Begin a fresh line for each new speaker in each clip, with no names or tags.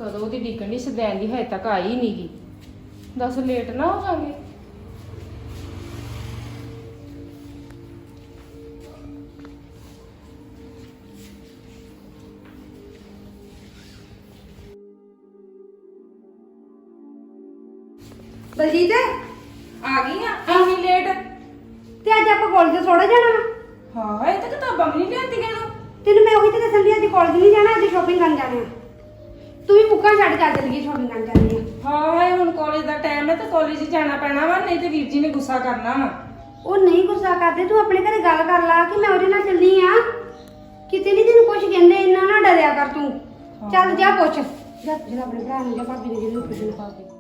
ਕਦੋਂ ਦੀ ਡਿੱਗਣ ਦੀ ਸਦੈਨ ਦੀ ਹਜੇ ਤੱਕ ਆਈ ਨਹੀਂ ਗੀ। ਦੱਸ ਲੇਟ ਨਾ ਹੋ ਜਾਗੇ।
ਬਲਜੀਤ
ਆ ਗਈ ਆ ਇੰਨੀ ਲੇਟ?
ਤੇ ਅੱਜ ਆਪਾਂ ਕਾਲਜ ਥੋੜਾ ਜਾਣਾ ਵਾ।
ਹਾਂ ਇਹ ਤਾਂ ਕਿਤਾਬਾਂ ਵੀ ਨਹੀਂ ਲਿਆਂਦੀਆਂ ਤੂੰ।
ਤੈਨੂੰ ਮੈਂ ਉਹੀ ਤਾਂ ਦੱਸਣ ਦੀ ਅੱਜ ਕਾਲਜ ਨਹੀਂ ਜਾਣਾ, ਅੱਜ ਸ਼ਾਪਿੰਗ ਕਰਨ ਜਾਣਾ ਆ। ਤੂੰ ਵੀ ਬੁੱਕਾਂ ਛੱਡ ਕੇ ਚੱਲ ਗਈ ਸ਼ਾਪਿੰਗ ਕਰਨ ਜਾਣੀ ਆ।
ਹਾਂ ਹੁਣ ਕਾਲਜ ਦਾ ਟਾਈਮ ਹੈ ਤਾਂ ਕਾਲਜ ਹੀ ਜਾਣਾ ਪੈਣਾ ਵਾ, ਨਹੀਂ ਤੇ ਵੀਰ ਜੀ ਨੇ ਗੁੱਸਾ ਕਰਨਾ ਵਾ।
ਉਹ ਨਹੀਂ ਗੁੱਸਾ ਕਰਦੇ, ਤੂੰ ਆਪਣੇ ਘਰੇ ਗੱਲ ਕਰ ਲਾ ਕਿ ਮੈਂ ਉਹਦੇ ਨਾਲ ਚੱਲੀ ਆ। ਕਿਤੇ ਨਹੀਂ ਤੈਨੂੰ ਕੁਝ ਕਹਿੰਦੇ, ਇੰਨਾ ਨਾ ਡਰਿਆ ਕਰ ਤੂੰ। ਚੱਲ ਜਾ ਪੁੱਛ ਜਾ, ਜਿਹੜਾ ਆਪਣੇ ਭਰਾ ਨੂੰ ਜਾਂ ਭਾਬੀ ਨੂੰ ਜਿਹਨੂੰ ਪੁੱਛਣ ਪਾ ਕੇ।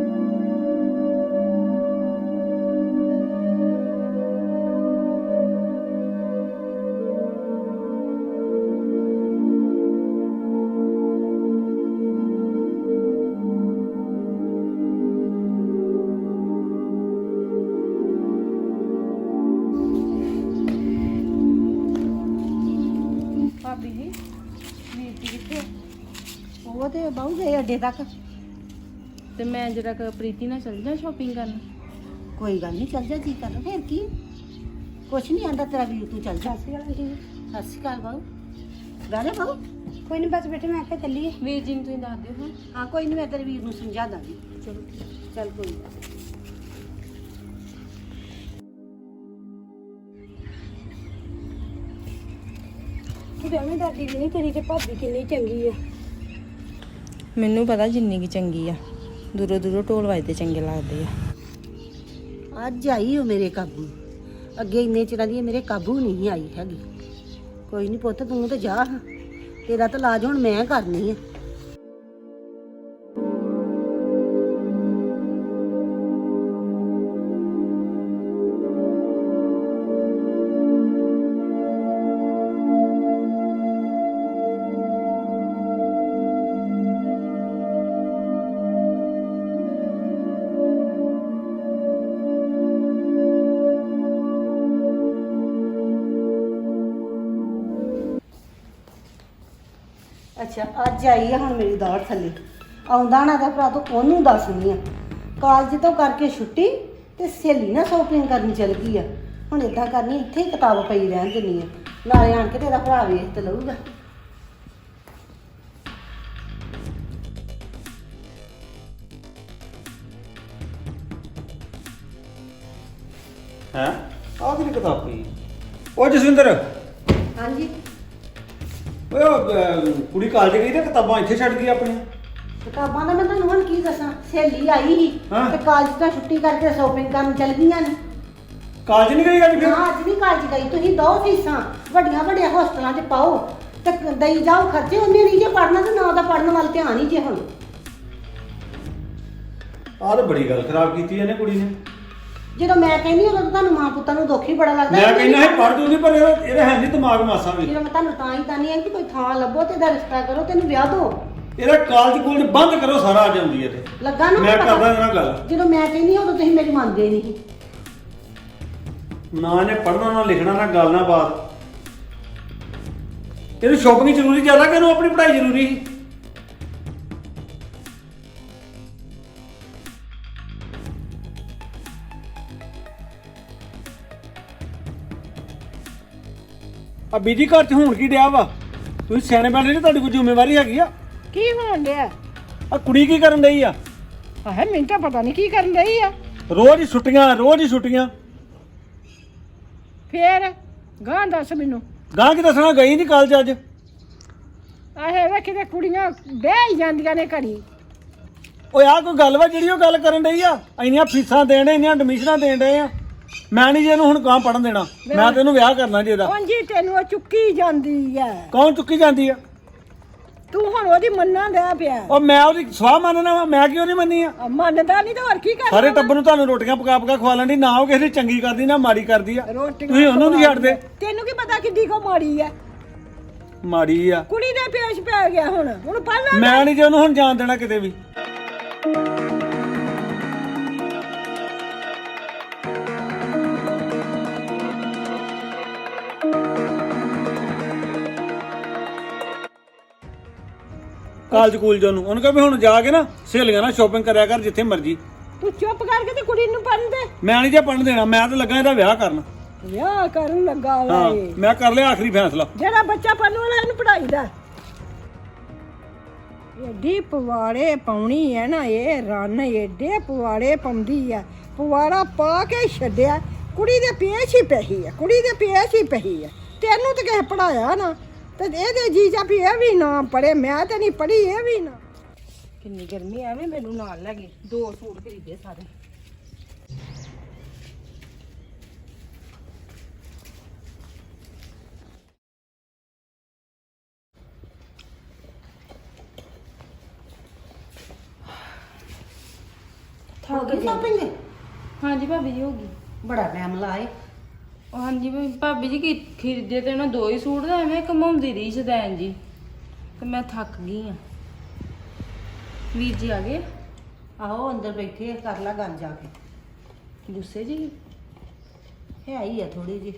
ਭਾਬੀ ਜੀ ਵੀਰ ਜੀ ਕਿੱਥੇ?
ਉਹ ਤੇ ਬਾਹੂ ਗਏ ਅੱਡੇ ਤੱਕ।
ਤੇ ਮੈਂ ਜਰਾ ਪ੍ਰੀਤੀ ਨਾਲ ਚੱਲ ਜਾ ਸ਼ਾਪਿੰਗ ਕਰਨ।
ਕੋਈ ਗੱਲ ਨਹੀਂ, ਚੱਲ ਜਾ, ਜੀ ਕਰ ਫਿਰ ਕੀ, ਕੁਛ ਨਹੀਂ ਆਂਦਾ ਤੇਰਾ ਵੀਰ, ਤੂੰ ਚੱਲ ਜਾ। ਸਤਿ ਸ਼੍ਰੀ ਅਕਾਲ ਬਾਹੂ। ਬਹਿ ਬਾਹੂ। ਕੋਈ ਨਹੀਂ ਬਸ ਬੇਟੇ, ਮੈਂ ਆਖਿਆ ਚੱਲੀਏ।
ਵੀਰ ਜੀ ਨੂੰ ਤੁਸੀਂ ਦੱਸ ਦਿਓ।
ਹਾਂ ਕੋਈ ਨਹੀਂ, ਮੈਂ ਤੇਰੇ ਵੀਰ ਨੂੰ ਸਮਝਾ ਦਾਂਗੀ।
ਚਲੋ
ਚੱਲ ਕੋਈ ਨੀ। ਤੂੰ ਐਵੇਂ ਡਰਦੀ ਵੀ ਨਹੀਂ, ਤੇਰੀ ਤੇ ਭਾਬੀ ਕਿੰਨੀ ਚੰਗੀ ਆ।
ਮੈਨੂੰ ਪਤਾ ਜਿੰਨੀ ਕੀ ਚੰਗੀ ਆ, ਦੂਰੋਂ ਦੂਰੋਂ ਢੋਲ ਵੱਜਦੇ ਚੰਗੇ ਲੱਗਦੇ ਆ।
ਅੱਜ ਆਈ ਉਹ ਮੇਰੇ ਕਾਬੂ, ਅੱਗੇ ਇੰਨੇ ਚਿਰਾਂ ਦੀ ਮੇਰੇ ਕਾਬੂ ਨਹੀਂ ਆਈ ਹੈਗੀ। ਕੋਈ ਨਹੀਂ ਪੁੱਤ, ਤੂੰ ਤੇ ਜਾ, ਤੇਰਾ ਤਾਂ ਇਲਾਜ ਹੁਣ ਮੈਂ ਕਰਨੀ ਆ। ਅੱਛਾ ਅੱਜ ਆਈ ਆ ਹੁਣ ਮੇਰੀ ਦੌੜ ਥੱਲੇ, ਆਉਂਦਾ ਨਾ ਤਾਂ ਭਰਾ ਤੂੰ ਉਹਨੂੰ ਦੱਸਣੀ ਆ। ਕਾਲਜ ਤੋਂ ਕਰਕੇ ਛੁੱਟੀ ਤੇ ਸਹੇਲੀ ਨਾਲ ਸ਼ੋਪਿੰਗ ਕਰਨ ਚਲ ਗਈ ਆ। ਹੁਣ ਇਦਾਂ ਕਰਨੀ, ਇੱਥੇ ਹੀ ਕਿਤਾਬ ਪਈ ਰਹਿਣ ਦਿੰਨੀ ਆ, ਨਾਲੇ ਆਣ ਕੇ ਤੇਰਾ ਭਰਾ ਵੇਖ ਤੇ ਲਊਗਾ।
ਹੈਂ ਆਹ ਕਿਹੜੀ ਕਿਤਾਬ ਪਈ? ਉਹ ਜਸਵਿੰਦਰ,
ਹਾਂਜੀ
ਓਏ ਕੁੜੀ ਕਾਲਜ ਗਈ ਤੇ ਕਿਤਾਬਾਂ ਇੱਥੇ ਛੱਡ ਗਈ ਆਪਣੀਆਂ।
ਕਿਤਾਬਾਂ ਦਾ ਮੈਂ ਤੁਹਾਨੂੰ ਹੁਣ ਕੀ ਦੱਸਾਂ, ਸਹੇਲੀ ਆਈ ਸੀ
ਹਾਂ।
ਤੇ ਕਾਲਜ ਤੋਂ ਛੁੱਟੀ ਕਰਕੇ ਸ਼ੋਪਿੰਗ ਕਰਨ ਚਲ ਗਈਆਂ ਨੇ।
ਕਾਲਜ ਨਹੀਂ ਗਈ ਅੱਜ ਫਿਰ?
ਨਾ ਅੱਜ ਨਹੀਂ ਕਾਲਜ ਗਈ। ਤੁਸੀਂ ਦੋ ਫੀਸਾਂ ਵੱਡੀਆਂ ਵੱਡੀਆਂ ਹੋਸਟਲਾਂ 'ਚ ਪਾਓ ਤੇ ਦਈ ਜਾਓ ਖਰਚੇ। ਉਹਨੇ ਨਹੀਂ ਜੇ ਪੜ੍ਹਨਾ ਤੇ ਨਾ ਉਹਦਾ ਪੜ੍ਹਨ ਵੱਲ ਧਿਆਨ ਹੀ ਜੇ ਹੁਣ।
ਆਹ ਤਾਂ ਬੜੀ ਗੱਲ ਖਰਾਬ ਕੀਤੀ ਇਹਨੇ ਕੁੜੀ ਨੇ।
ਜਦੋਂ ਮੈਂ ਕਹਿੰਦੀ ਉਦੋਂ ਤਾਂ ਤੁਹਾਨੂੰ ਮਾਂ ਪੁੱਤਾਂ ਨੂੰ ਦੁੱਖ ਹੀ ਬੜਾ ਲੱਗਦਾ।
ਮੈਂ ਕਹਿੰਦਾ ਹੈ ਪੜ੍ਹ ਦੂੰਗੀ, ਪਰ ਇਹਦਾ ਹੈ ਨਹੀਂ ਦਿਮਾਗ ਮਾਸਾ ਵੀ।
ਜਦੋਂ ਮੈਂ ਤੁਹਾਨੂੰ ਤਾਂ ਹੀ ਤਾਨੀ ਆ ਕਿ ਕੋਈ ਥਾਂ ਲੱਭੋ ਤੇ ਇਹਦਾ ਰਿਸ਼ਤਾ ਕਰੋ, ਤੈਨੂੰ ਵਿਆਹ ਦਿਓ।
ਇਹਦਾ ਕਾਲਜ ਕੋਲ ਬੰਦ ਕਰੋ, ਸਾਰਾ ਆ ਜਾਂਦੀ ਇੱਥੇ।
ਲੱਗਾ ਨਾ
ਮੈਂ
ਪਤਾ?
ਕਰਦਾ ਇਹਨਾਂ ਨਾਲ ਗੱਲ।
ਜਦੋਂ ਮੈਂ ਕਹਿੰਦੀ ਉਦੋਂ ਤੁਸੀਂ ਮੇਰੀ ਮੰਨਦੇ ਨਹੀਂ।
ਨਾ ਇਹਨੇ ਪੜ੍ਹਨਾ, ਨਾ ਲਿਖਣਾ, ਨਾ ਗੱਲ, ਨਾ ਬਾਤ। ਇਹਨੂੰ ਸ਼ੋਪਿੰਗ ਜ਼ਰੂਰੀ ਜ਼ਿਆਦਾ ਕਿ ਇਹਨੂੰ ਆਪਣੀ ਪੜ੍ਹਾਈ ਜ਼ਰੂਰੀ ਸੀ? ਆ ਬੀਜੀ ਘਰ ਚ ਹੋਣ ਕੀ ਡਿਆ ਵਾ? ਤੁਸੀਂ ਸਿਆਣੇ ਬਣੇ ਨੇ, ਤੁਹਾਡੀ ਕੋਈ ਜ਼ਿੰਮੇਵਾਰੀ ਹੈਗੀ ਆ?
ਕੀ ਹੋਣ ਡਿਆ?
ਆ ਕੁੜੀ ਕੀ ਕਰਨ ਡਈ ਆ?
ਆਹ ਮੈਨੂੰ ਤਾਂ ਪਤਾ ਨਹੀਂ ਕੀ ਕਰਨ ਰਹੀ ਆ।
ਰੋਜ਼ ਹੀ ਛੁੱਟੀਆਂ, ਰੋਜ਼ ਹੀ ਛੁੱਟੀਆਂ।
ਫੇਰ ਗਾਂ ਦੱਸ ਮੈਨੂੰ।
ਗਾਂ ਕੀ ਦੱਸਣਾ, ਗਈ ਨਹੀਂ ਕਾਲਜ ਅੱਜ।
ਆਹੇ ਵੇ ਕਿਤੇ ਕੁੜੀਆਂ ਬਹਿ ਹੀ ਜਾਂਦੀਆਂ ਨੇ ਘੜੀ।
ਓਏ ਆ ਕੋਈ ਗੱਲ ਵਾ ਜਿਹੜੀ ਉਹ ਗੱਲ ਕਰਨ ਡਈ ਆ? ਇੰਨੀਆਂ ਫੀਸਾਂ ਦੇਣ ਡੇ, ਇੰਨੀਆਂ ਐਡਮਿਸ਼ਨਾਂ ਦੇਣ ਡੇ ਆ। ਮੈਂ ਨਹੀਂ ਜੀ ਇਹਨੂੰ ਹੁਣ ਗਾਂ ਪੜਨ ਦੇਣਾ। ਮੈਂ ਤੈਨੂੰ ਵਿਆਹ ਕਰਨਾ ਜੀ ਇਹਦਾ।
ਉਂਝ ਤੈਨੂੰ ਉਹ ਚੁੱਕੀ ਜਾਂਦੀ ਆ।
ਕੌਣ ਚੁੱਕੀ ਜਾਂਦੀ ਆ?
ਤੂੰ ਹੁਣ ਉਹਦੀ ਮੰਨਣਾ ਲੈ ਪਿਆ।
ਉਹ ਮੈਂ ਉਹਦੀ ਸਵਾਹ ਮੰਨਣਾ ਵਾ, ਮੈਂ ਕਿਉਂ ਨਹੀਂ ਮੰਨੀ ਆ?
ਮੰਨਦਾ ਨਹੀਂ ਤਾਂ ਹੋਰ ਕੀ ਕਰਨਾ?
ਸਾਰੇ ਟੱਬਰ ਨੂੰ ਤੁਹਾਨੂੰ ਰੋਟੀਆਂ ਪਕਾ ਪਕਾ ਖਵਾਲਣ ਦੀ, ਨਾ ਉਹ ਕਿਸੇ ਦੀ ਚੰਗੀ ਕਰਦੀ ਨਾ ਮਾੜੀ ਕਰਦੀ ਆ।
ਰੋਟੀਆਂ
ਤੁਸੀਂ ਉਹਨੂੰ ਨਹੀਂ ਛੱਡਦੇ।
ਤੈਨੂੰ ਕੀ ਪਤਾ ਕਿੱਡੀ ਕੋ ਮਾੜੀ ਆ?
ਮਾੜੀ ਆ।
ਕੁੜੀ ਦੇ ਪੇਸ਼ ਪੈ ਗਿਆ ਹੁਣ ਪੜ ਲੈ।
ਮੈਂ ਨਹੀਂ ਜੀ ਉਹਨੂੰ ਹੁਣ ਜਾਣ ਦੇਣਾ ਕਿਤੇ ਵੀ। ਕਾਲਜ ਕੂਲਜ ਨੂੰ। ਉਹਨੂੰ ਕਹ ਵੀ ਹੁਣ ਜਾ ਕੇ ਨਾ ਸਹੇਲੀਆਂ ਨਾਲ ਸ਼ਾਪਿੰਗ ਕਰਿਆ ਕਰ ਜਿੱਥੇ ਮਰਜੀ।
ਤੂੰ ਚੁੱਪ ਕਰਕੇ ਤੇ ਕੁੜੀ ਨੂੰ ਪੜਨ ਦੇ।
ਮੈਂ ਨਹੀਂ ਜੇ ਪੜਨ ਦੇਣਾ, ਮੈਂ ਤਾਂ ਲੱਗਾ ਇਹਦਾ ਵਿਆਹ ਕਰਨ।
ਵਿਆਹ ਕਰਨ ਲੱਗਾ ਵਾ
ਹਾਂ
ਇਹ।
ਮੈਂ ਕਰ ਲਿਆ ਆਖਰੀ ਫੈਸਲਾ।
ਜਿਹੜਾ ਬੱਚਾ ਪੜਨ ਵਾਲਾ ਇਹਨੂੰ ਪੜਾਈ ਦਾ। ਏਡੀ ਪਵਾੜੇ ਪਾਉਣੀ ਹੈ ਨਾ ਇਹ ਰਨ, ਏਡੇ ਪਵਾੜੇ ਪਾਉਂਦੀ ਆ। ਪਵਾੜਾ ਪਾ ਕੇ ਛੱਡਿਆ, ਕੁੜੀ ਦੇ ਪੇਸ਼ ਹੀ ਪਈ ਆ, ਕੁੜੀ ਦੇ ਪੇਸ਼ ਹੀ ਪਈ ਆ। ਤੈਨੂੰ ਤਾਂ ਕਿਸੇ ਪੜਾਇਆ ਨਾ, ਤੇ ਇਹਦੇ ਜੀਜਾ ਵੀ ਇਹ ਵੀ ਨਾ ਪੜੇ, ਮੈਂ ਤੇ ਨਹੀਂ ਪੜੀ ਇਹ ਵੀ ਨਾ।
ਕਿੰਨੀ ਗਰਮੀ ਐਵੇਂ ਮੈਨੂੰ ਨਾਲ ਲੈ ਗਈ, 2 ਸੂਟ ਖਰੀਦੇ ਸਾਰੇ।
ਹੋ ਗਈ ਸ਼ਾਪਿੰਗ?
ਹਾਂਜੀ ਭਾਬੀ ਜੀ ਹੋ ਗਈ।
ਬੜਾ ਟਾਈਮ ਲਾਏ।
ਉਹ ਹਾਂਜੀ ਭਾਬੀ ਜੀ ਕੀ ਖਰੀਦੇ ਤੇ ਉਹਨਾਂ 2 ਹੀ ਸੂਟ ਦਾ ਐਵੇਂ ਘਮਾਉਂਦੀ ਰਹੀ ਸ਼ਦੈਨ ਜੀ, ਤੇ ਮੈਂ ਥੱਕ ਗਈ ਆ। ਵੀਰ ਜੀ ਆ ਗਏ?
ਆਹੋ ਅੰਦਰ ਬੈਠੇ ਆ, ਕਰ ਲਾ ਗੱਲ ਜਾ ਕੇ।
ਗੁੱਸੇ ਜੀ?
ਹੈ ਹੀ ਆ ਥੋੜੀ ਜੀ।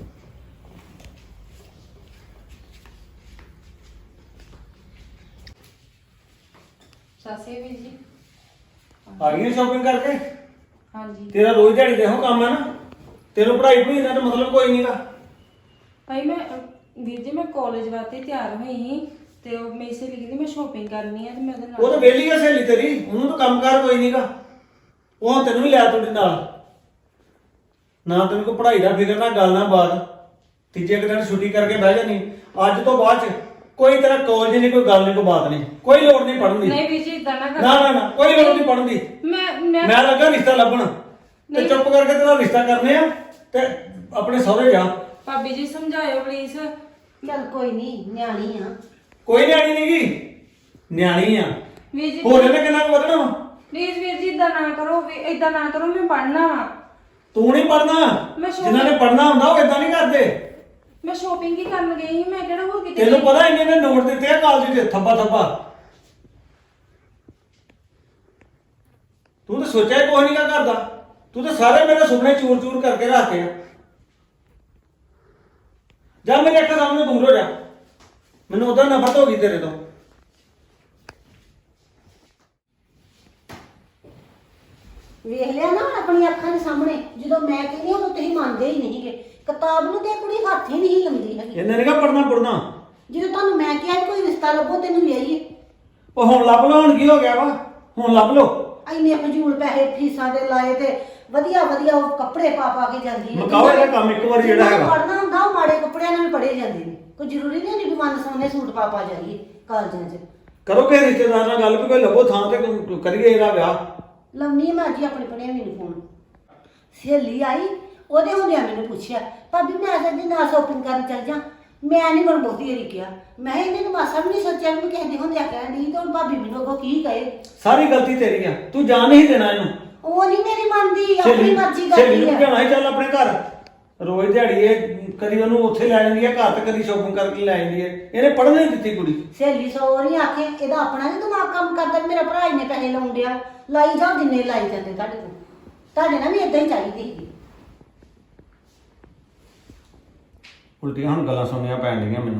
ਸਾਸੇ ਵੀਰ ਜੀ।
ਆ ਗਈ ਸ਼ਾਪਿੰਗ ਕਰਕੇ?
ਹਾਂਜੀ
ਤੇਰਾ ਰੋਜ਼ ਦਿਹਾੜੀ ਦੇ ਇਹੋ ਕੰਮ ਹੈ ਨਾ, ਤੈਨੂੰ ਪੜ੍ਹਾਈ ਪੜੂਈ ਦਾ ਤਾਂ ਮਤਲਬ ਕੋਈ ਨਹੀਂਗਾ।
ਭਾਈ ਮੈਂ ਵੀਰ ਜੀ ਮੈਂ ਕਾਲਜ ਵਾਸਤੇ ਤਿਆਰ ਹੋਈ ਸੀ, ਤੇ ਉਹ ਮੇਰੀ ਸਹੇਲੀ ਕਹਿੰਦੀ ਮੈਂ ਸ਼ਾਪਿੰਗ ਕਰਨੀ ਆ, ਤੇ ਮੈਂ ਉਹਦੇ
ਉਹ ਤਾਂ
ਨਾਲ।
ਵਿਹਲੀ ਆ ਸਹੇਲੀ ਤੇਰੀ, ਉਹਨੂੰ ਤਾਂ ਕੰਮਕਾਰ ਕੋਈ ਨਹੀਂਗਾ। ਉਹ ਹੁਣ ਤੈਨੂੰ ਵੀ ਲਿਆ ਤੁਹਾਡੇ ਨਾਲ, ਨਾ ਤੈਨੂੰ ਕੋਈ ਪੜ੍ਹਾਈ ਦਾ ਫਿਕਰ ਨਾ ਗੱਲ ਨਾ ਬਾਤ। ਤੀਜੇ ਕੁ ਦਿਨ ਛੁੱਟੀ ਕਰਕੇ ਬਹਿ ਜਾਨੀ। ਅੱਜ ਤੋਂ ਬਾਅਦ ਚ ਕੋਈ ਤੇਰਾ ਕਾਲਜ ਨਹੀਂ, ਕੋਈ ਗੱਲ ਨਹੀਂ, ਕੋਈ ਬਾਤ ਨਹੀਂ, ਕੋਈ ਲੋੜ ਨਹੀਂ ਪੜ੍ਹਨ ਦੀ।
ਨਹੀਂ ਵੀਰ ਜੀ ਇਦਾਂ ਨਾ
ਨਾ ਨਾ ਨਾ ਕੋਈ ਲੋੜ ਨਹੀਂ ਪੜ੍ਹਨ ਦੀ। ਮੈਂ ਲੱਗਾ ਰਿਸ਼ਤਾ ਲੱਭਣ, ਤੇ ਚੁੱਪ ਕਰਕੇ ਤੇਰਾ ਰਿਸ਼ਤਾ ਕਰਨੇ ਆ ਤੇ ਆਪਣੇ ਸਹੁਰੇ ਜਾ।
ਭਾਬੀ ਜੀ ਸਮਝਾਇਓ ਪਲੀਜ਼।
ਚੱਲ ਕੋਈ ਨਹੀਂ, ਨਿਆਣੀ ਆ।
ਕੋਈ ਨਿਆਣੀ ਨਹੀਂਗੀ, ਨਿਆਣੀ ਆ।
ਵੀਰ ਜੀ
ਹੋਰ ਇਹਨੇ ਕਿੰਨਾ ਕੁ ਵਧਣਾ ਵਾ?
ਪਲੀਜ਼ ਵੀਰ ਜੀ ਇਦਾਂ ਨਾ ਕਰੋ, ਇਦਾਂ ਨਾ ਕਰੋ, ਮੈਂ ਪੜ੍ਹਨਾ ਵਾ।
ਤੂੰ ਨਹੀਂ ਪੜ੍ਹਨਾ,
ਮੈਂ
ਜਿਨ੍ਹਾਂ ਨੇ ਪੜ੍ਹਨਾ ਹੁੰਦਾ ਉਹ ਇਦਾਂ ਨਹੀਂ ਕਰਦੇ।
ਮੈਂ ਸ਼ਾਪਿੰਗ ਹੀ ਕਰਨ ਗਈ ਸੀ, ਮੈਂ ਕਿਹੜਾ ਹੋਰ ਕਿਤੇ
ਤੈਨੂੰ ਪਤਾ ਇੰਨੇ ਨੇ ਨੋਟ ਦਿੱਤੇ ਆ ਕਾਲਜ ਦੇ ਥੱਬਾ ਥੱਬਾ। ਤੂੰ ਤਾਂ ਸੋਚਿਆ ਕੋਈ ਨਹੀਂ ਕਾ ਕਰਦਾ, ਤੂੰ ਤਾਂ ਸਾਰੇ ਮੇਰੇ ਸੁਪਨੇ ਚੂਰ ਚੂਰ ਕਰਕੇ ਰੱਖਦੇ ਆ। ਜਾ ਮੇਰੇ ਅੱਖਾਂ ਸਾਹਮਣੇ ਦੂਰ ਹੋ ਜਾ, ਮੈਨੂੰ ਉਹਦਾ ਨਫ਼ਰਤ ਹੋ ਗਈ ਤੇਰੇ ਤੋਂ।
ਵੇਖ ਲਿਆ ਨਾ ਆਪਣੀ ਅੱਖਾਂ ਦੇ ਸਾਹਮਣੇ, ਜਦੋਂ ਮੈਂ ਕਹਿੰਦੀ ਉਦੋਂ ਤੁਸੀਂ ਮੰਨਦੇ ਹੀ ਨਹੀਂਗੇ। ਕਿਤਾਬ ਨੂੰ ਤੇ ਕੁੜੀ ਹੱਥ ਹੀ ਨਹੀਂ ਲਾਉਂਦੀ ਹੈਗੀ।
ਇਹਨੇ ਨੀ ਪੜਨਾ ਪੜਨਾ।
ਜਦੋਂ ਤੁਹਾਨੂੰ ਮੈਂ ਕਿਹਾ ਕੋਈ ਰਿਸ਼ਤਾ ਲੱਭੋ ਤੈਨੂੰ ਵਿਆਹੀਏ,
ਉਹ ਹੁਣ ਲੱਭ ਲਓ, ਹੁਣ ਕੀ ਹੋ ਗਿਆ ਵਾ, ਹੁਣ ਲੱਭ ਲਓ।
ਇੰਨੇ ਫਜ਼ੂਲ ਪੈਸੇ ਫੀਸਾਂ ਦੇ ਲਾਏ ਤੇ ਵਧੀਆ ਵਧੀਆ ਉਹ ਕੱਪੜੇ ਪਾ ਪਾ ਕੇ ਜਾਂਦੀ ਹੈ।
ਮੁਕਾਓ ਇਹਦਾ ਕੰਮ ਇੱਕ ਵਾਰ ਜਿਹੜਾ ਹੈਗਾ।
ਪੜਨਾ ਹੁੰਦਾ ਉਹ ਮਾੜੇ ਕੱਪੜਿਆਂ ਨਾਲ ਵੀ ਪੜੇ ਜਾਂਦੇ ਨੇ, ਕੋਈ ਜ਼ਰੂਰੀ ਨਹੀਂ ਵੀ ਮਨ ਸੋਹਣੇ ਸੂਟ ਪਾ ਪਾ ਜਾਈਏ ਕਾਲਜਾਂ 'ਚ।
ਕਰੋ ਕਿ ਰਿਸ਼ਤੇਦਾਰ ਨਾਲ ਗੱਲ ਵੀ ਕੋਈ ਲੱਭੋ ਥਾਂ ਤੇ ਕਰੀਏ ਇਹਦਾ ਵਿਆਹ।
ਲੰਮੀ ਮੈਂ ਅੱਜ ਹੀ ਆਪਣੇ ਪੜਿਆ ਵੀ ਨੂੰ ਫੋਨ। ਸਹੇਲੀ ਆਈ, ਉਹਦੇ ਹੁੰਦਿਆਂ ਮੈਨੂੰ ਪੁੱਛਿਆ ਭਾਬੀ ਮੈਂ ਅੱਜ ਨਾ ਸ਼ੋਪਿੰਗ ਕਰਨ ਚੱਲ ਜਾ। ਮੈਂ ਨਹੀਂ ਮਨ ਬਹੁਤੀ ਹਰੀ ਕਿਹਾ, ਮੈਂ ਇਹਨੇ ਤਾਂ ਮਾਸਾ ਵੀ ਨਹੀਂ ਸੋਚਿਆ ਵੀ ਕਿਸੇ ਦੇ ਹੁੰਦਿਆਂ ਕਹਿਣ ਦੀ, ਤੇ ਹੁਣ ਭਾਬੀ ਮੈਨੂੰ ਅੱਗੋਂ ਕੀ ਕਹੇ।
ਸਾਰੀ ਗਲਤੀ ਤੇਰੀ ਆ, ਤੂੰ ਜਾਣ ਨਹੀਂ ਦੇਣਾ ਇਹਨੂੰ।
ਉਹ ਨਹੀਂ ਮੇਰੀ ਮੰਨਦੀ, ਆਪਣੀ ਮਰਜ਼ੀ ਕਰਦੀ
ਨੂੰ
ਹੈ।
ਭਜਾਉਣਾ ਹੀ ਚੱਲ ਆਪਣੇ ਘਰ। ਰੋਜ਼ ਦਿਹਾੜੀ ਇਹ ਕਦੀ ਉਹਨੂੰ ਉੱਥੇ ਲੈ ਜਾਂਦੀ ਹੈ ਘਰ, ਤੇ ਕਦੀ ਸ਼ੋਪਿੰਗ ਕਰਕੇ ਲੈ ਜਾਂਦੀ ਹੈ। ਇਹਨੇ ਪੜ੍ਹਨ ਨਹੀਂ ਦਿੱਤੀ ਕੁੜੀ।
ਸਹੇਲੀ ਸੌਰੀ ਆਖੇ ਇਹਦਾ ਆਪਣਾ ਨੀ ਦਿਮਾਗ ਕੰਮ ਕਰਦਾ ਵੀ ਮੇਰਾ ਭਰਾ ਇੰਨੇ ਪੈਸੇ ਲਾਉਣ ਡਿਆ। ਲਾਈ ਜਾਓ ਜਿੰਨੇ ਲਾਈ ਜਾਂਦੇ ਤੁਹਾਡੇ ਕੋਲ, ਤੁਹਾਡੇ ਨਾਲ ਵੀ ਇਦਾਂ ਹੀ ਚਾਹੀਦੀ ਸੀ।
ਉਲਟੀਆਂ ਹੁਣ ਗੱਲਾਂ ਸੁਣਨੀਆਂ ਪੈਣ ਡੀਆਂ ਮੈਨੂੰ।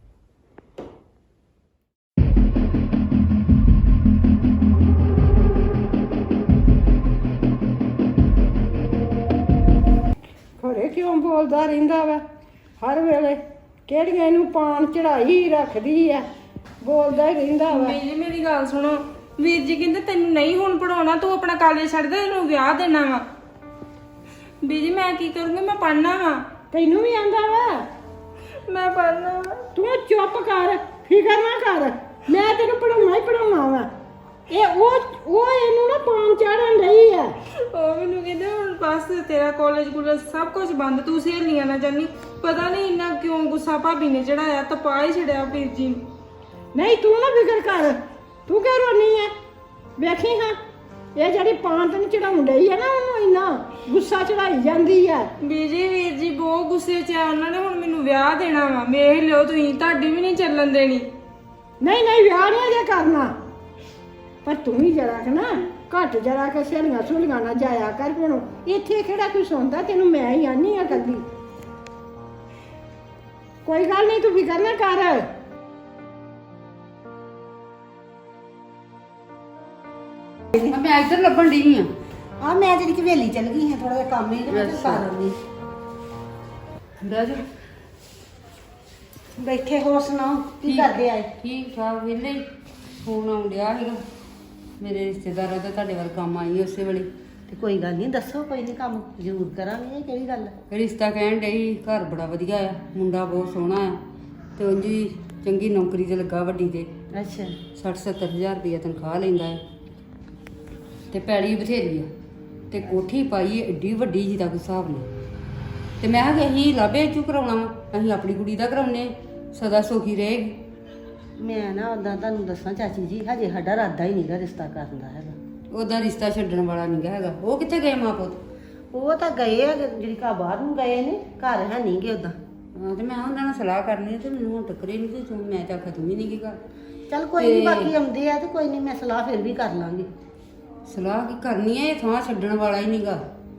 ਖਰੇ ਕਿਉਂ ਬੋਲਦਾ ਰਹਿੰਦਾ ਵਾ ਹਰ ਵੇਲੇ, ਕਿਹੜੀਆਂ ਇਹਨੂੰ ਪਾਣ ਚੜਾਈ ਰੱਖਦੀ ਆ, ਬੋਲਦਾ ਹੀ ਰਹਿੰਦਾ ਵਾ।
ਵੀਰ ਜੀ ਮੇਰੀ ਗੱਲ ਸੁਣੋ, ਵੀਰ ਜੀ ਕਹਿੰਦੇ ਤੈਨੂੰ ਨਹੀਂ ਹੁਣ ਪੜਾਉਣਾ, ਤੂੰ ਆਪਣਾ ਕਾਲਜ ਛੱਡ ਦੇ, ਤੈਨੂੰ ਵਿਆਹ ਦੇਣਾ ਵਾ। ਵੀਰ ਜੀ ਮੈਂ ਕੀ ਕਰੂੰਗੀ, ਮੈਂ ਪੜ੍ਹਨਾ ਵਾ।
ਤੈਨੂੰ ਵੀ ਆਂਦਾ ਵਾ
ਮੈਂ ਪੜ੍ਹਨਾ ਵਾ।
ਤੂੰ ਚੁੱਪ ਕਰ, ਫਿਕਰ ਨਾ ਕਰ, ਮੈਂ ਤੈਨੂੰ ਪੜਾਉਣਾ ਹੀ ਪੜਾਉਣਾ ਵਾ। ਇਹ ਉਹ ਇਹਨੂੰ ਨਾ ਪਾਣ ਚਾੜਨ ਰਹੀ ਆ।
ਉਹ ਮੈਨੂੰ ਕਹਿੰਦੇ ਹੁਣ ਬਸ ਤੇਰਾ ਕਾਲਜ ਕੁਲਜ ਸਭ ਕੁਝ ਬੰਦ, ਤੂੰ ਸਹੇਲੀਆਂ ਨਾਲ ਜਾਨੀ। ਪਤਾ ਨਹੀਂ ਇੰਨਾ ਕਿਉਂ ਗੁੱਸਾ ਭਾਬੀ ਨੇ ਚੜਾਇਆ, ਤਪਾ ਹੀ ਛੜਿਆ ਵੀਰ ਜੀ ਨੂੰ।
ਨਹੀਂ ਤੂੰ ਨਾ ਫਿਕਰ ਕਰ, ਤੂੰ ਕਿਉਂ ਰੋਣੀ ਆ? ਵੇਖੀ ਹਾਂ ਇਹ ਜਿਹੜੀ ਪਾਣ ਤੈਨੂੰ ਚੜਾਉਣ ਡਈ ਆ ਨਾ, ਉਹਨੂੰ ਇੰਨਾ ਗੁੱਸਾ ਚੜਾਈ ਜਾਂਦੀ ਆ।
ਵੀਰ ਜੀ ਬਹੁਤ ਗੁੱਸੇ 'ਚ ਆ, ਉਹਨਾਂ ਨੇ ਹੁਣ ਮੈਨੂੰ ਵਿਆਹ ਦੇਣਾ ਵਾ। ਵੇਖ ਲਿਓ ਤੁਸੀਂ, ਤੁਹਾਡੀ ਵੀ ਨਹੀਂ ਚੱਲਣ ਦੇਣੀ।
ਨਹੀਂ ਵਿਆਹ ਨਹੀਂ ਅਜੇ ਕਰਨਾ, ਪਰ ਤੂੰ ਵੀ ਜਰਾ ਕਿ ਨਾ ਘੱਟ ਜਰਾ ਕਿ ਸਹੇਲੀਆਂ ਸੁਲੀਆਂ ਨਾ ਜਾਇਆ ਕਰ। ਹੁਣ ਇੱਥੇ ਕਿਹੜਾ ਕੋਈ ਸੁਣਦਾ ਤੈਨੂੰ, ਮੈਂ ਹੀ ਆਨੀ ਆ ਕੱਲੀ। ਕੋਈ ਗੱਲ ਨਹੀਂ, ਤੂੰ ਫਿਕਰ ਨਾ ਕਰ।
ਮੈਂ ਇੱਧਰ ਲੱਭਣ ਡਈ ਆ।
ਆ ਮੈਂ ਜਿਹੜੀ ਹਵੇਲੀ ਚਲ ਗਈ ਹਾਂ, ਥੋੜਾ ਜਿਹਾ ਕੰਮ ਹੀ ਤੇ ਮੈਂ ਚੱਲ ਕਰ ਆਉਂਦੀ।
ਬਹਿ ਜਾ।
ਬੈਠੇ ਹੋਰ ਸੁਣਾਓ ਕੀ ਕਰਦੇ ਆਏ?
ਠੀਕ ਠਾਕ ਵਿਹਲੇ ਹੀ। ਫੋਨ ਆਉਣ ਡਿਆ ਸੀਗਾ ਮੇਰੇ ਰਿਸ਼ਤੇਦਾਰਾਂ ਦਾ, ਤੁਹਾਡੇ ਵੱਲ ਕੰਮ ਆਈ ਉਸੇ ਵੇਲੇ।
ਤੇ ਕੋਈ ਗੱਲ ਨਹੀਂ, ਦੱਸੋ, ਕੋਈ ਨਹੀਂ, ਕੰਮ ਜ਼ਰੂਰ ਕਰਾਂਗੇ। ਇਹ ਕਿਹੜੀ ਗੱਲ ਹੈ?
ਰਿਸ਼ਤਾ ਕਹਿਣ ਡਈ, ਘਰ ਬੜਾ ਵਧੀਆ ਆ, ਮੁੰਡਾ ਬਹੁਤ ਸੋਹਣਾ ਆ ਤੇ ਉਂਝ ਵੀ ਚੰਗੀ ਨੌਕਰੀ ਤੇ ਲੱਗਾ ਵੱਡੀ ਤੇ।
ਅੱਛਾ
60-70 ਹਜ਼ਾਰ ਰੁਪਇਆ ਤਨਖਾਹ ਲੈਂਦਾ ਹੈ ਤੇ ਪੈੜੀ ਬਥੇਰੀ ਆ ਤੇ ਕੋਠੀ ਪਾਈ ਹੈ ਏਡੀ ਵੱਡੀ ਜਿਹਦਾ ਕੋਈ ਹਿਸਾਬ ਨਹੀਂ। ਤੇ ਮੈਂ ਕਿਹਾ ਅਸੀਂ ਲਾਭੇ ਚੂ ਕਰਾਉਣਾ ਵਾ, ਅਸੀਂ ਆਪਣੀ ਕੁੜੀ ਦਾ ਕਰਾਉਨੇ, ਸਦਾ ਸੁਖੀ ਰਹੇਗੀ।
ਮੈਂ ਨਾ ਉਦਾਂ ਤੁਹਾਨੂੰ ਦੱਸਾਂ ਚਾਚੀ ਜੀ, ਹਜੇ ਸਾਡਾ ਇਰਾਦਾ ਹੀ ਨਹੀਂਗਾ ਰਿਸ਼ਤਾ ਕਰਨ ਦਾ ਹੈਗਾ।
ਉਹਦਾ ਰਿਸ਼ਤਾ ਛੱਡਣ ਵਾਲਾ ਨਹੀਂ ਹੈਗਾ। ਉਹ ਕਿੱਥੇ ਗਏ ਮਾਂ ਪੁੱਤ?
ਉਹ ਤਾਂ ਗਏ ਆ, ਜਿਹੜੀ ਘਰ ਬਾਹਰ ਨੂੰ ਗਏ ਨੇ, ਘਰ ਹੈ ਨਹੀਂ ਗੇ ਉਦਾਂ।
ਹਾਂ ਤੇ ਮੈਂ ਉਹਨਾਂ ਨਾਲ ਸਲਾਹ ਕਰਨੀ ਤੇ ਮੈਨੂੰ ਹੁਣ ਟੱਕਰੇ ਨਹੀਂ ਤੇ ਮੈਂ ਤਾਂ ਖਤਮ ਹੀ ਨਹੀਂ ਕੀ ਕਰ।
ਚੱਲ ਕੋਈ ਨਹੀਂ, ਬਾਕੀ ਆਉਂਦੇ ਆ ਤੇ ਕੋਈ ਨਹੀਂ, ਮੈਂ ਸਲਾਹ ਫਿਰ ਵੀ ਕਰ ਲਾਂਗੀ।
ਸਲਾਹ ਕੀ ਕਰਨੀ ਹੈ? ਇਹ ਥਾਂ ਛੱਡਣ ਵਾਲਾ ਹੀ ਨਹੀਂਗਾ।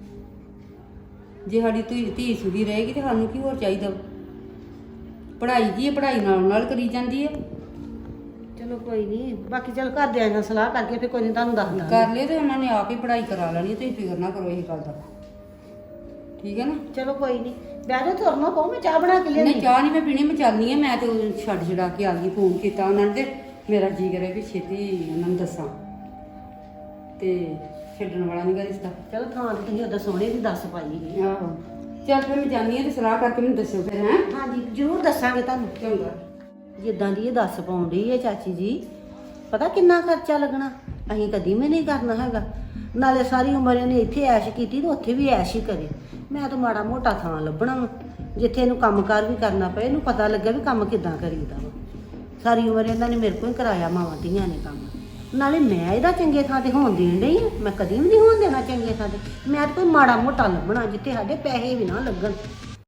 ਜੇ ਸਾਡੀ ਧੀ ਸੁਧੀ ਰਹੇਗੀ ਤੇ ਸਾਨੂੰ ਕੀ ਹੋਰ ਚਾਹੀਦਾ? ਪੜ੍ਹਾਈ ਕੀ ਹੈ, ਪੜ੍ਹਾਈ ਨਾਲ ਕਰੀ ਜਾਂਦੀ ਹੈ।
ਚਲੋ ਕੋਈ ਨਹੀਂ, ਬਾਕੀ ਚੱਲ ਘਰਦਿਆਂ ਨਾਲ ਸਲਾਹ ਕਰਕੇ ਫਿਰ ਕੋਈ ਨਹੀਂ ਤੁਹਾਨੂੰ ਦੱਸ ਦਾਂਗੇ।
ਕਰ ਲਿਓ ਤੇ ਉਹਨਾਂ ਨੇ ਆਪ ਹੀ ਪੜ੍ਹਾਈ ਕਰਾ ਲੈਣੀ, ਤੁਸੀਂ ਫਿਕਰ ਨਾ ਕਰੋ ਇਹ ਗੱਲ ਦਾ। ਠੀਕ ਹੈ ਨਾ?
ਚਲੋ ਕੋਈ ਨਹੀਂ, ਬਹਿ ਜਾਓ, ਤੁਰਨਾ ਪਊ, ਮੈਂ ਚਾਹ ਬਣਾ ਕੇ ਲਿਆਉਂਦੀ।
ਨਹੀਂ ਚਾਹ ਨਹੀਂ ਮੈਂ ਪੀਣੀ, ਮੈਂ ਚੱਲਨੀ ਆ। ਮੈਂ ਤੇ ਉਹ ਛੱਡਾ ਕੇ ਆ ਗਈ, ਫੋਨ ਕੀਤਾ ਉਹਨਾਂ ਨੇ ਤੇ ਮੇਰਾ ਜੀ ਕਰੇ ਵੀ ਛੇਤੀ ਉਹਨਾਂ ਨੂੰ ਦੱਸਾਂ ਤੇ ਛੱਡਣ ਵਾਲਾ ਨਹੀਂ ਗਾ ਰਿਸ਼ਤਾ।
ਚਲੋ ਥਾਂ ਤੇ ਤੁਸੀਂ ਉਦੋਂ ਸੋਹਣੇ ਵੀ ਦੱਸ ਪਾਈ ਗਈ।
ਆਹੋ ਚੱਲ ਫਿਰ ਮੈਂ ਜਾਂਦੀ ਹਾਂ ਤੇ ਸਲਾਹ ਕਰਕੇ ਮੈਨੂੰ ਦੱਸਿਓ ਫਿਰ। ਹੈਂ?
ਹਾਂਜੀ ਜ਼ਰੂਰ ਦੱਸਾਂਗੇ ਤੁਹਾਨੂੰ।
ਚੰਗਾ।
ਜਿੱਦਾਂ ਦੀ ਇਹ ਦੱਸ ਪਾਉਂਦੀ ਹੈ ਚਾਚੀ ਜੀ, ਪਤਾ ਕਿੰਨਾ ਖਰਚਾ ਲੱਗਣਾ? ਅਸੀਂ ਕਦੀ ਵੀ ਨਹੀਂ ਕਰਨਾ ਹੈਗਾ। ਨਾਲੇ ਸਾਰੀ ਉਮਰ ਇਹਨੇ ਇੱਥੇ ਐਸ਼ ਕੀਤੀ ਤੇ ਉੱਥੇ ਵੀ ਐਸ਼ ਹੀ ਕਰੇ। ਮੈਂ ਤਾਂ ਮਾੜਾ ਮੋਟਾ ਥਾਂ ਲੱਭਣਾ ਵਾ ਜਿੱਥੇ ਇਹਨੂੰ ਕੰਮਕਾਰ ਵੀ ਕਰਨਾ ਪਏ, ਇਹਨੂੰ ਪਤਾ ਲੱਗੇ ਵੀ ਕੰਮ ਕਿੱਦਾਂ ਕਰੀਦਾ ਵਾ। ਸਾਰੀ ਉਮਰ ਇਹਨਾਂ ਨੇ ਮੇਰੇ ਕੋਲ ਹੀ ਕਰਾਇਆ, ਮਾਵਾਂ ਧੀਆਂ ਨੇ ਕੰਮ। ਨਾਲੇ ਮੈਂ ਇਹਦਾ ਚੰਗੇ ਥਾਂ ਤੇ ਹੋਣ ਦੇਣ ਡਈ ਆ। ਮੈਂ ਕਦੀ ਵੀ ਨਹੀਂ ਹੋਣ ਦੇਣਾ ਚੰਗੇ ਥਾਂ ਤੇ। ਮੈਂ ਤਾਂ ਕੋਈ ਮਾੜਾ ਮੋਟਾ ਲੱਭਣਾ ਜਿੱਥੇ ਸਾਡੇ ਪੈਸੇ ਵੀ ਨਾ ਲੱਗਣ।